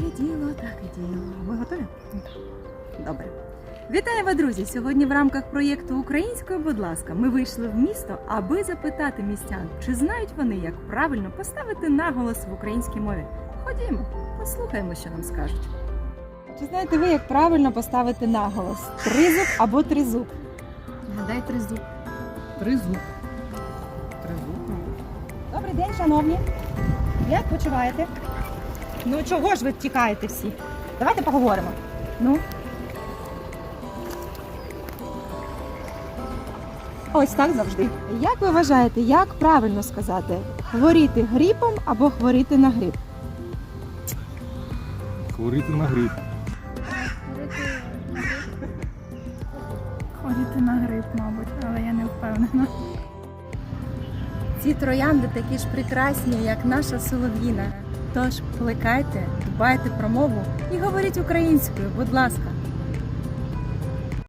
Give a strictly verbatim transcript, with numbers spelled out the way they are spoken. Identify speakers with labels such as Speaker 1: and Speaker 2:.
Speaker 1: і діло, так і діло. Ви готові? Добре. Вітаю вас, друзі! Сьогодні в рамках проєкту «Українською, будь ласка» ми вийшли в місто, аби запитати містян, чи знають вони, як правильно поставити наголос в українській мові. Ходімо, послухаємо, що нам скажуть. Чи знаєте ви, як правильно поставити наголос? Тризуб або тризуб?
Speaker 2: Гадай тризуб.
Speaker 3: Тризуб. Тризуб.
Speaker 1: Добрий день, шановні. Як почуваєте? Ну чого ж ви тікаєте всі? Давайте поговоримо. Ну. Ось так завжди. Як ви вважаєте, як правильно сказати? Хворіти грипом або хворіти на грип?
Speaker 3: Хворіти на грип.
Speaker 2: Ходити на гриб, мабуть, але я не впевнена.
Speaker 1: Ці троянди такі ж прекрасні, як наша солов'їна. Тож плекайте, дбайте про мову і говоріть українською, будь ласка.